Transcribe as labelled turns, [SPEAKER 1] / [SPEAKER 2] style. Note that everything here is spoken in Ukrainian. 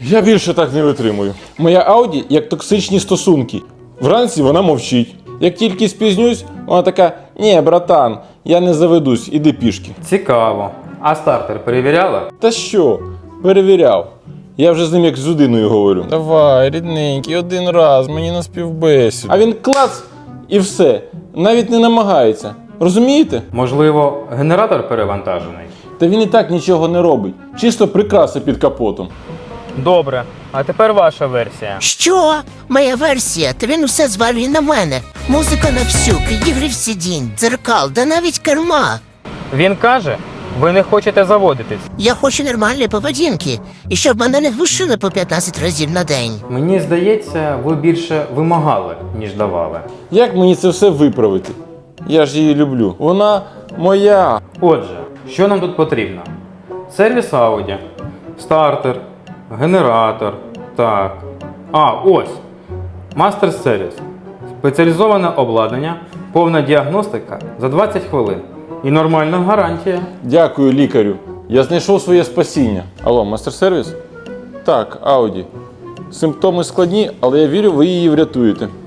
[SPEAKER 1] Я більше так не витримую. Моя Audi як токсичні стосунки. Вранці вона мовчить. Як тільки спізнюсь, вона така: «Ні, братан, я не заведусь, іди пішки».
[SPEAKER 2] Цікаво. А стартер перевіряла?
[SPEAKER 1] Та що? Перевіряв. Я вже з ним як з людиною говорю. Давай, рідненький, один раз, мені на співбесіду. А він клац і все. Навіть не намагається. Розумієте?
[SPEAKER 2] Можливо, генератор перевантажений?
[SPEAKER 1] Та він і так нічого не робить. Чисто прикраси під капотом.
[SPEAKER 3] Добре, а тепер ваша версія.
[SPEAKER 4] Що? Моя версія, та він усе звалює на мене. Музика на всю, підігрів сидінь, дзеркал, да навіть керма.
[SPEAKER 3] Він каже, ви не хочете заводитись.
[SPEAKER 4] Я хочу нормальної поведінки, і щоб мене не глушили по 15 разів на день.
[SPEAKER 2] Мені здається, ви більше вимагали, ніж давали.
[SPEAKER 1] Як мені це все виправити? Я ж її люблю. Вона моя.
[SPEAKER 2] Отже, що нам тут потрібно? Сервіс Audi, стартер, генератор, так. Ось. Мастер сервіс. Спеціалізоване обладнання, повна діагностика за 20 хвилин. І нормальна гарантія.
[SPEAKER 1] Дякую, лікарю. Я знайшов своє спасіння. Алло, мастер-сервіс? Так, Audi. Симптоми складні, але я вірю, ви її врятуєте.